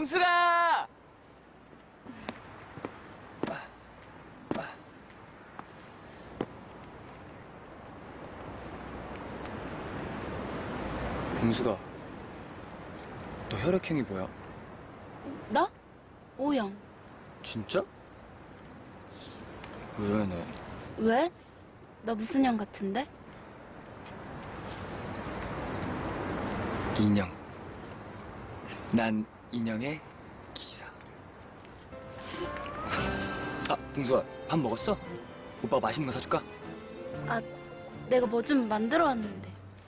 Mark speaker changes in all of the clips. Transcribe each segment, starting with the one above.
Speaker 1: 봉수가! 봉수가, 너 혈액형이 뭐야?
Speaker 2: 나? O형.
Speaker 1: 진짜? 의외네.
Speaker 2: 왜? 나 무슨 형 같은데?
Speaker 1: 인형. 난 인형의 기사. 아, 봉수아, 밥 먹었어? 오빠가 맛있는 거 사줄까?
Speaker 2: 아, 내가 뭐 좀 만들어 왔는데.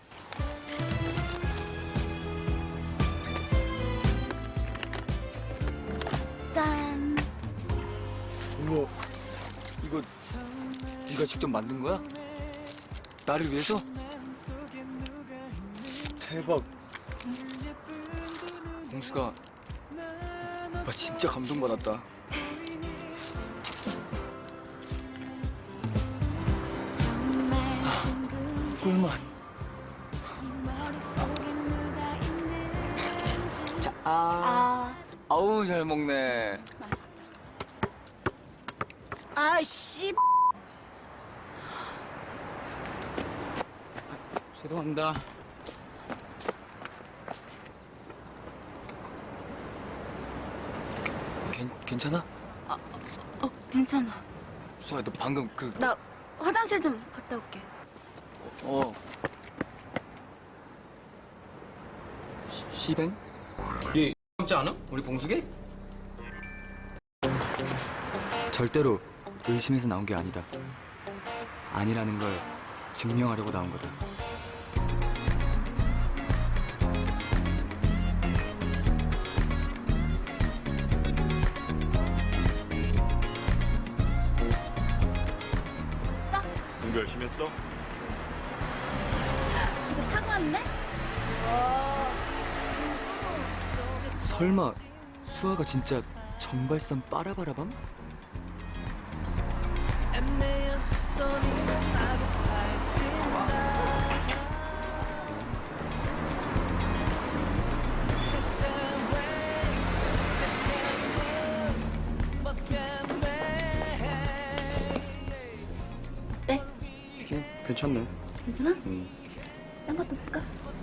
Speaker 2: 짠.
Speaker 1: 우와, 이거 네가 직접 만든 거야? 나를 위해서? 대박. 봉수가, 오빠 진짜 감동받았다. 꿀맛. 자, 아우 잘 먹네.
Speaker 2: 아씨.
Speaker 1: 죄송합니다. 괜찮아?
Speaker 2: 괜찮아.
Speaker 1: 수아야, 너 방금
Speaker 2: 나 화장실 좀 갔다 올게.
Speaker 1: 시뱅? 얘 닮지 않아? 우리 봉숙이? 절대로 의심해서 나온 게 아니다. 아니라는 걸 증명하려고 나온 거다.
Speaker 3: 공부 열심히 했어?
Speaker 2: 이거 타고 왔네?
Speaker 1: 설마 수아가 진짜 정발산 빠라바라밤?
Speaker 2: 네?
Speaker 3: 괜찮네.
Speaker 2: 괜찮아? 딴 것도 볼까?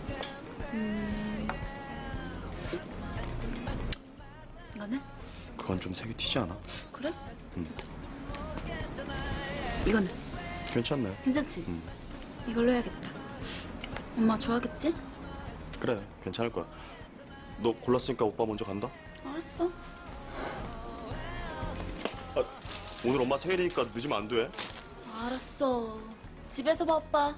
Speaker 2: 이거는?
Speaker 3: 그건 좀 색이 튀지 않아?
Speaker 2: 그래?
Speaker 3: 응.
Speaker 2: 이거는?
Speaker 3: 괜찮네.
Speaker 2: 괜찮지?
Speaker 3: 응.
Speaker 2: 이걸로 해야겠다. 엄마 좋아하겠지?
Speaker 3: 그래, 괜찮을 거야. 너 골랐으니까 오빠 먼저 간다?
Speaker 2: 알았어.
Speaker 3: 아, 오늘 엄마 생일이니까 늦으면 안 돼.
Speaker 2: 알았어. 집에서 봐, 오빠.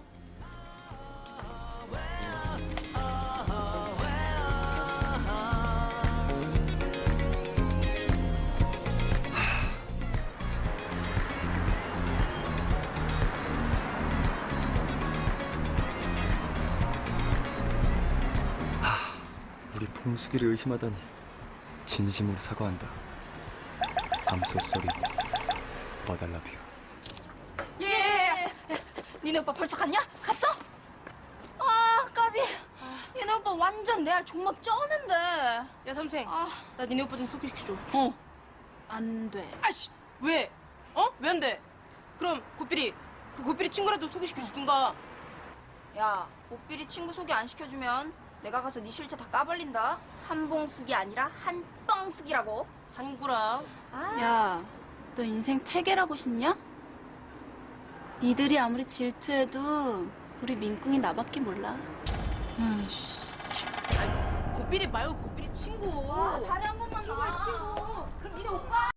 Speaker 1: 우리 봉숙이를 의심하다니 진심으로 사과한다. I'm so sorry, but I love you.
Speaker 4: 니네 오빠 벌써 갔냐? 갔어? 아, 까비. 니네 오빠 완전 레알 종막 쩌는데.
Speaker 5: 야 삼생, 나 니네 오빠 좀 소개시켜줘.
Speaker 2: 안 돼.
Speaker 5: 아씨, 왜? 왜 안 돼? 그럼 고삐리, 그 고삐리 친구라도 소개시켜주든가.
Speaker 4: 야, 오삐리 친구 소개 안 시켜주면 내가 가서 네 실체 다 까발린다. 한봉숙이 아니라 한뻥숙이라고.
Speaker 5: 한구라.
Speaker 2: 야, 너 인생 태계라고 싶냐? 니들이 아무리 질투해도 우리 민꿍이 나밖에 몰라.
Speaker 5: 고삐리 말고 고삐리 친구.
Speaker 4: 다리 한 번만 더. 친구. 그럼 니네 오빠.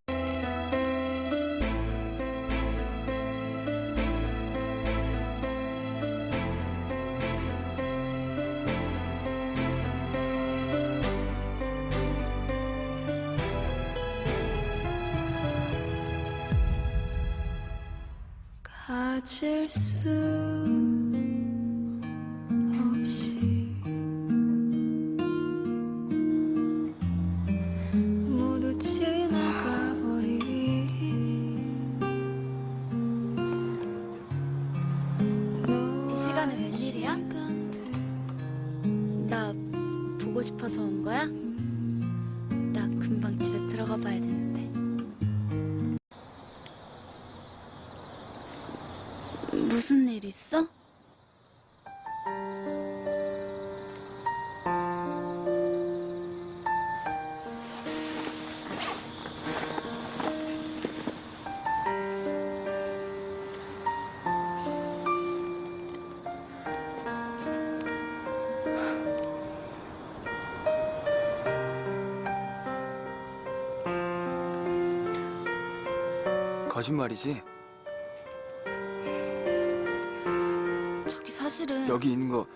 Speaker 2: 가질 수 없이 모두 지나가버린 이 시간에 웬일이야? 나 보고 싶어서 온 거야? 나 들어가 봐야 되는데. 무슨 일 있어?
Speaker 1: 거짓말이지?
Speaker 2: 저기 사실은
Speaker 1: 여기 있는 거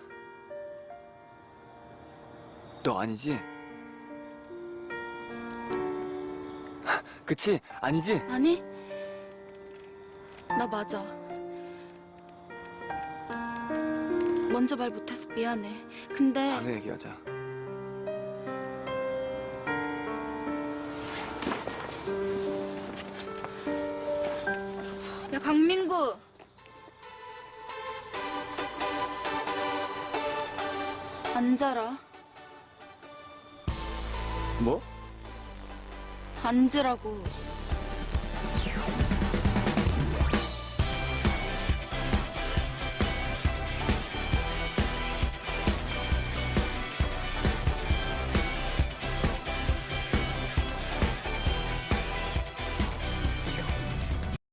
Speaker 1: 너 아니지? 그치? 아니지?
Speaker 2: 아니 나 맞아. 먼저 말 못해서 미안해. 근데
Speaker 1: 다음에 얘기하자.
Speaker 2: 야 강민구 앉아라.
Speaker 1: 뭐?
Speaker 2: 앉으라고.